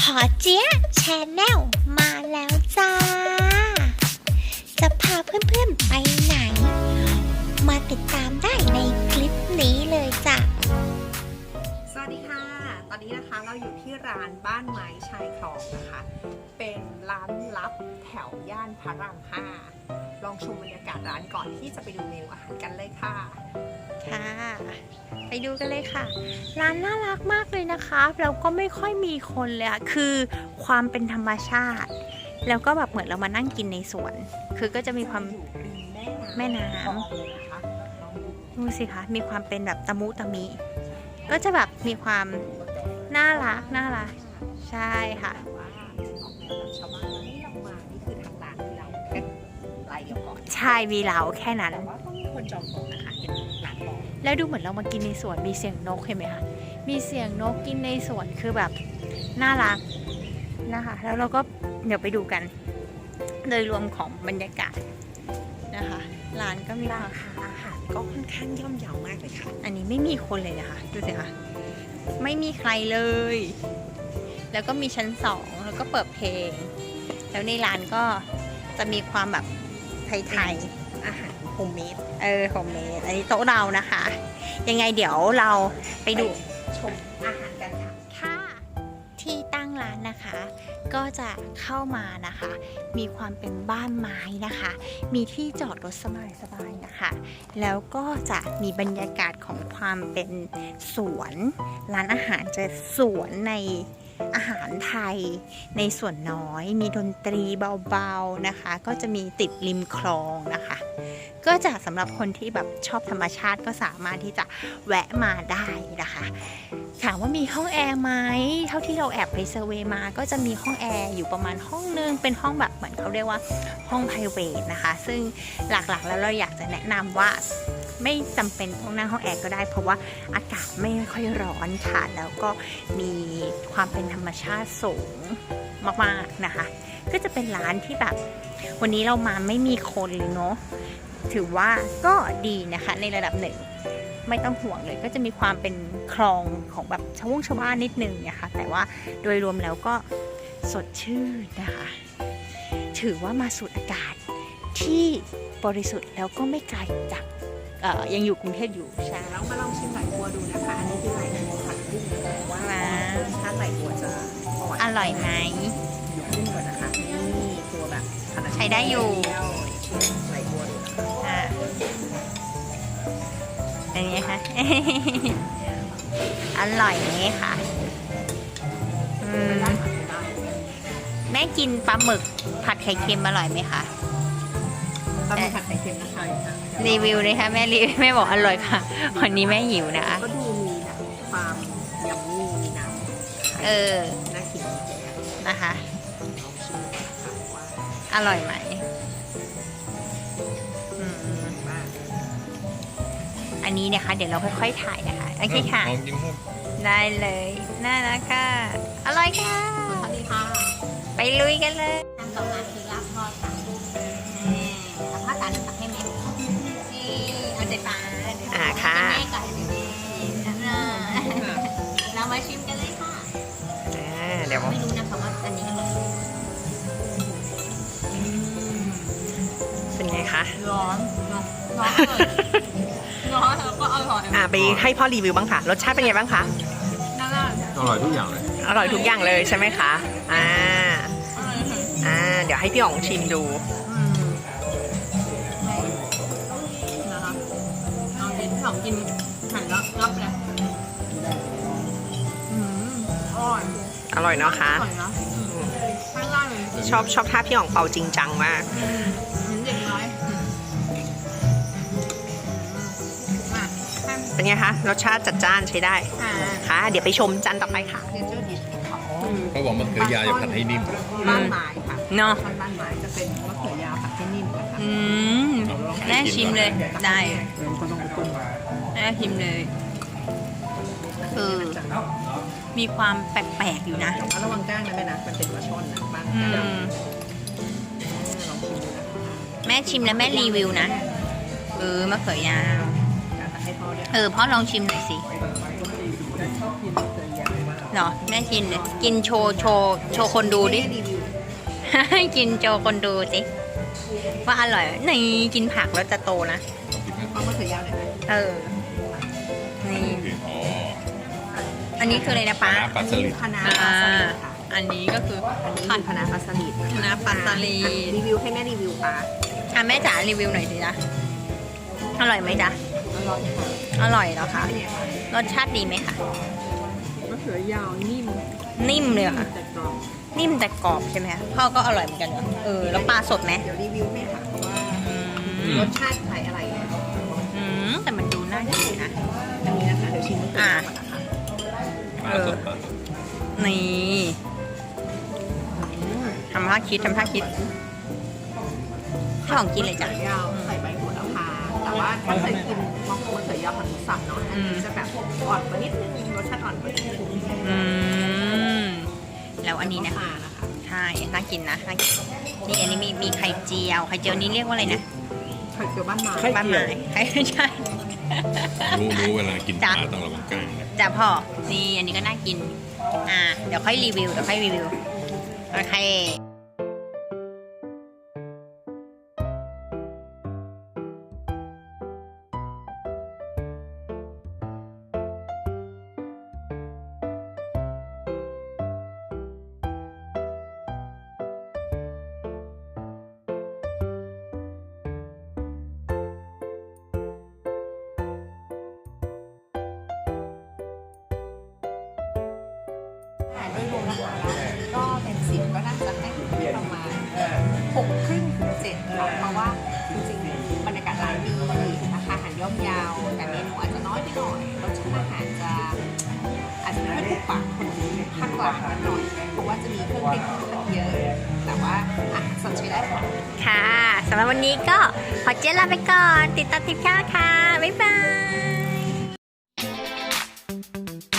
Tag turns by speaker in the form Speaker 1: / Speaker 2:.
Speaker 1: พอเจี๊ยะแชนแนลมาแล้วจ้า จะพาเพื่อนๆไปไหน มาติดตามได้ในคลิปนี้เลยจ้ะ
Speaker 2: สวัสดีค่ะ ตอนนี้นะคะเราอยู่ที่ร้านบ้านไม้ชายคลองนะคะ เป็นร้านลับแถวย่านพระราม 5 ลองชมบรรยากาศร้านก่อนที่จะไปดูเมนูอาหารกันเลยค่ะ
Speaker 1: ค่ะ ไปดูกันเลยค่ะ ร้านน่ารักมากเลยนะคะแล้วก็ไม่ค่อยมีคนเลยอะคือความเป็นธรรมชาติ แล้วก็แบบเหมือนเรามานั่งกินในสวน คือก็จะมีความ
Speaker 2: อยู่ริม
Speaker 1: แม่น้
Speaker 2: คลองเลยนะคะลองดู
Speaker 1: ำดูสิคะมีความเป็นแบบตะมุตะมิ ก็จะแบบมีความน่ารักใช่ค่ะ
Speaker 2: ว่าออกแนวแบบชาวบ้านนี่เรามานี่คือทางร้านที่เราแค่รายเดียวก่อน
Speaker 1: ใช่มีเราแค่นั้น
Speaker 2: แต่ว่าต้องมีคนจองโต๊ะนะคะเห็นร้านบอก
Speaker 1: แล้วดูเหมือนเรามากินในสวนมีเสียงนกเห็นไหมคะมีเสียงนกกินในสวนคือแบบน่ารักนะคะแล้วเราก็เดี๋ยวไปดูกัน โดยรวมของบรรยากาศนะคะร้านก็มีราคา
Speaker 2: อาหารก็ค่อนข้างย่อมเยาวมากเลยค่ะ
Speaker 1: อันนี้ไม่มีคนเลยนะคะดูสิคะไม่มีใครเลย แล้วก็มีชั้นสองแล้วก็เปิดเพลง แล้วในร้านก็จะมีความแบบไทยๆ
Speaker 2: อาหารโฮมเมด
Speaker 1: โฮมเมดอันนี้โต๊ะเรานะคะ ยังไงเดี๋ยวเราไปดู
Speaker 2: ชมอาหารกันค่ะ
Speaker 1: ค่ะที่ตั้งร้านนะคะ ก็จะเข้ามานะคะ มีความเป็นบ้านไม้นะคะ มีที่จอดรถสบายๆนะคะ แล้วก็จะมีบรรยากาศของความเป็นสวนร้านอาหารจะสวนในอาหารไทยในส่วนน้อย มีดนตรีเบาๆนะคะ ก็จะมีติดริมคลองนะคะ ก็จะสำหรับคนที่แบบชอบธรรมชาติก็สามารถที่จะแวะมาได้นะคะถามว่ามีห้องแอร์ไหมเท่าที่เราแอบไปเซอร์เวย์มาก็จะมีห้องแอร์อยู่ประมาณห้องนึงเป็นห้องแบบเหมือนเขาเรียกว่าห้อง private นะคะ ซึ่งหลักๆแล้วเราอยากจะแนะนำว่าไม่จำเป็นต้องนั่งห้องแอร์ก็ได้เพราะว่าอากาศไม่ค่อยร้อนค่ะแล้วก็มีความเป็นธรรมชาติสูงมากๆนะคะ ก็จะเป็นร้านที่แบบวันนี้เรามาไม่มีคนเลยเนาะถือว่าก็ดีนะคะในระดับหนึ่งไม่ต้องห่วงเลยก็จะมีความเป็นคลองของแบบชาวบ้านนิดนึงนะคะแต่ว่าโดยรวมแล้วก็สดชื่นนะคะถือว่ามาสูดอากาศที่บริสุทธิ์แล้วก็ไม่ไกลจากยังอยู่กรุงเทพอยู่ใช่
Speaker 2: แล้วมาลองชิมไหลบัวดูนะคะ อันนี้คือไหลบัวผัดกุ้งว่าถ้าไหลบัวจะ
Speaker 1: อร่อยไหม
Speaker 2: กุ้งก่อนนะคะนี่ตัวแบบ
Speaker 1: ใช้ได้อยู่
Speaker 2: ชิมไหลบัวดูนะคะ
Speaker 1: อ่าเป็นไงคะ อร่อยไหมคะแม่กินปลาหมึกผัดไข่เค็มอร่อยไหมคะ
Speaker 2: ปลาหมึกผัดไข่เค็มนะคะ
Speaker 1: รีวิวเลยค่ะแม่รีวิวแม่บอกอร่อยค่ะวันนี้แม่หิวนะคะ
Speaker 2: ก็ดูมีแบบความยัมมี่มีน้ำน่ากิน
Speaker 1: นะคะ
Speaker 2: ลองชิมนะคะว่า
Speaker 1: อร่อยไหม
Speaker 2: ว่า
Speaker 1: อันนี้นะคะเดี๋ยวเราค่อยๆถ่ายนะคะโอเคค่ะ
Speaker 3: ลองกินครับ
Speaker 1: ได้เลยน่ารักค่ะอร่อยค่ะ
Speaker 2: สวัสดีค่ะ
Speaker 1: ไปลุยกันเลย
Speaker 2: อันต่อมาคือลาบทอดค่ะถ้าจานตักให้แม่นี่เอาใจปลา
Speaker 1: ค่ะ
Speaker 2: แม่ก่อนเรามาชิมกันเลยค่ะ
Speaker 1: เดี๋ยว
Speaker 2: ไม่รู้นะคะว่าอันนี้อร่อย
Speaker 1: เป็นไงคะ
Speaker 2: ร้อนร้อนเลยร้อนแล้วก็อร่อย
Speaker 4: ไปให้พ่อรีวิวบ้างค่ะ รสชาติเป็นไงบ้างคะ
Speaker 2: น่ารัก
Speaker 3: อร่อยทุกอย่างเลย
Speaker 4: อร่อยทุกอย่างเลยใช่ไหมคะเดี๋ยวให้พี่อ๋องชิมดู
Speaker 2: นะคะเอาดินที่ผมกินหันแล้วรับเลยอร่อย
Speaker 4: อร่อยเนาะคะ
Speaker 2: อร่อยนะข้างล่างเลย
Speaker 4: ชอบท่าพี่อ๋องเป่าจริงจังมาก
Speaker 2: เด็กน้อยมาก
Speaker 4: เป็นไงคะ รสชาติจัดจ้านใช้ได้ ค่ะ เดี๋ยวไปชมจานต่อไปค่ะ
Speaker 2: เนเจอร์ดิชของ
Speaker 3: เขาบอกมะเขือยาวจะผัดให้นิ่ม
Speaker 2: บ้านไม้ค่ะ
Speaker 1: เนาะ
Speaker 2: บ้านไม้จะเป็นมะเขือยาวผัดให้นิ่มนะคะ
Speaker 1: แม่ชิมเลยได้
Speaker 2: ก็ต้องปรุง
Speaker 1: แม่ชิมเลยคือมีความแปลกๆอยู่นะ
Speaker 2: ระวังก้างนะแม่นะมันเป็นปลาช่อนนะบ้าน
Speaker 1: อื
Speaker 2: ก้าง
Speaker 1: ม
Speaker 2: ลองชิมดูนะคะ
Speaker 1: แม่ชิมแล้วแม่รีวิวนะมะเขือยาว
Speaker 2: ให้พ่อด้วย
Speaker 1: พ่อลองชิมหน่อยสิ
Speaker 2: ชอบกินมะเขือยาวมาก
Speaker 1: เนาะแม่กินเนี่ยกินโชว์คนดูดิ
Speaker 2: รีวิว
Speaker 1: ให้กินโชว์คนดูสิว่าอร่อยไหมนี่กินผักแล้วจะโตนะ
Speaker 2: เอามะเขือยาวหน่อยไหม
Speaker 1: เออนี่
Speaker 3: อ๋อ
Speaker 1: อันนี้คืออะไรนะป้า
Speaker 3: ปลาสลิด
Speaker 2: คณะปลาสลิดค่ะ
Speaker 1: อันนี้ก็คือ
Speaker 2: อันนี้คือคณะปลาสลิด
Speaker 1: คณะปลาสลิด
Speaker 2: รีวิวให้แม่รีวิวปลา
Speaker 1: อ่ะแม่จ๋ารีวิวหน่อยสิจ๊ะอร่อยไหมจ๊ะ
Speaker 2: อร่อยค่ะ
Speaker 1: อร่อยเหรอคะ
Speaker 2: เป็นไงคะ
Speaker 1: รสชาติดีไหมคะ
Speaker 2: มะเขือยาวนิ่ม
Speaker 1: นิ่มเลยเหรอค่ะ
Speaker 2: แต่กรอบ
Speaker 1: นิ่มแต่กรอบใช่ไหมคะพ่อก็อร่อยเหมือนกันเหรอแล้วปลาสดไหม
Speaker 2: เดี๋ยวรีวิวให้ค่ะว่า
Speaker 1: อืม
Speaker 2: รสชาติไทยอะไรเนี่ย
Speaker 1: แต่มันดูน่ากินนะ
Speaker 2: อันนี้นะคะเดี๋ยวชิมมะเขือยาวก่อนนะคะ
Speaker 3: ปลาสดปลาสด
Speaker 1: นี่ทำท่าคิดให้ของกินเลยจ้ะ
Speaker 2: มะขือยาวใส่ใบโหระพาแต่ว่าถ้าเคยกินมะเขือยาวผัดหมูสับเนาะอันนี้จะแบบอ่อนกว่านิดนึงรสชาติอ่อนกว่านิดนึง
Speaker 1: อืมแล้วอันนี้นะ
Speaker 2: มะขามนะคะ
Speaker 1: ใช่น่ากินนะน่ากินนี่อันนี้มีไข่เจียวนี่เรียกว่าอะไรนะ
Speaker 2: ไข่เจียวบ้านไม้
Speaker 1: บ้านไม้ใช่
Speaker 3: รู้เวลากินป
Speaker 1: จ้ะ
Speaker 3: ลาต้องระวังกล้างนะ
Speaker 1: จ้ะพ่อนี่อันนี้ก็น่ากินเดี๋ยวค่อยรีวิวโอเค
Speaker 2: โดยรวมนะคะก็เป็น10ก็น่าจะให้ถึงที่ประมาณ6 ครึ่งถึง7ค่ะเพราะว่าจริงๆบรรยากาศร้านดีราคาอาหารย่อมเยาวแต่เมนูอาจจะน้อยไปหน่อยรสชาติอาหารอาจจะไม่ค่อยถูกปากคนภาคกลางนิดหน่อยเพราะว่าจะมีเครื่องเทศค่อนข้างเยอะ แต่ว่าอาหารสดใช้ได้ค่ะ
Speaker 1: ค่ะสำหรับวันนี้ก็ขอเจลาไปก่อนติดตามทิปข้าวค่ะบ๊ายบาย